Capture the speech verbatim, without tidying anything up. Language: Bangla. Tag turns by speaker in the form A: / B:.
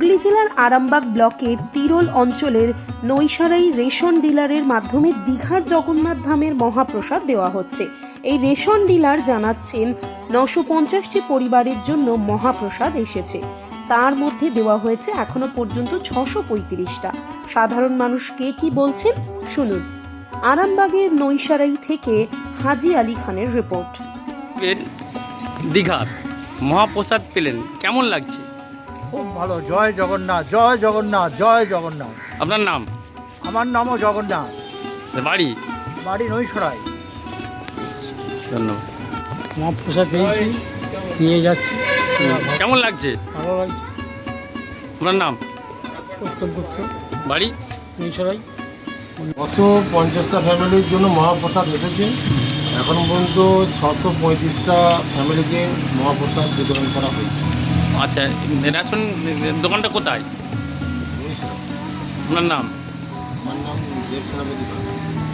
A: হুগলি জেলার আরামবাগ ব্লকের তিরোল অঞ্চলের নৈশারাই রেশন ডিলারের মাধ্যমে দীঘার জগন্নাথ ধামের মহাপ্রসাদ দেওয়া হচ্ছে। এই রেশন ডিলার জানাচ্ছেন নশো পঞ্চাশটি পরিবারের জন্য মহাপ্রসাদ এসেছে, তার মধ্যে দেওয়া হয়েছে এখনো পর্যন্ত ছশো পঁয়ত্রিশটা। সাধারণ মানুষ কে কি বলছেন শুনুন। আরামবাগের নৈশারাই থেকে হাজি আলী খানের রিপোর্ট।
B: দীঘার মহাপ্রসাদ পেলেন, কেমন লাগছে?
C: খুব ভালো। জয় জগন্নাথ, জয় জগন্নাথ, জয় জগন্নাথ।
B: আপনার নাম?
C: আমার নামও জগন্নাথ,
B: বাড়ি?
C: বাড়ি নৈশরাই।
B: ধন্যবাদ।
D: মহাপ্রসাদ পেয়েছি, নিয়ে যাচ্ছি।
B: কেমন লাগছে?
D: ভালো লাগছে।
B: আপনার নাম?
D: উত্তম পুত্র,
B: বাড়ি?
D: মিশরাই।
E: ছশো পঞ্চাশটা ফ্যামিলির জন্য মহাপ্রসাদ এসেছে। এখন পর্যন্ত ছশো পঁয়ত্রিশটা ফ্যামিলিকে মহাপ্রসাদ বিতরণ করা হয়েছে।
B: আচ্ছা, রেশন দোকানটা কোথায়?
E: বুঝেছিলাম।
B: আপনার নাম?
E: আমার নাম দেব সেনাপতি দাস।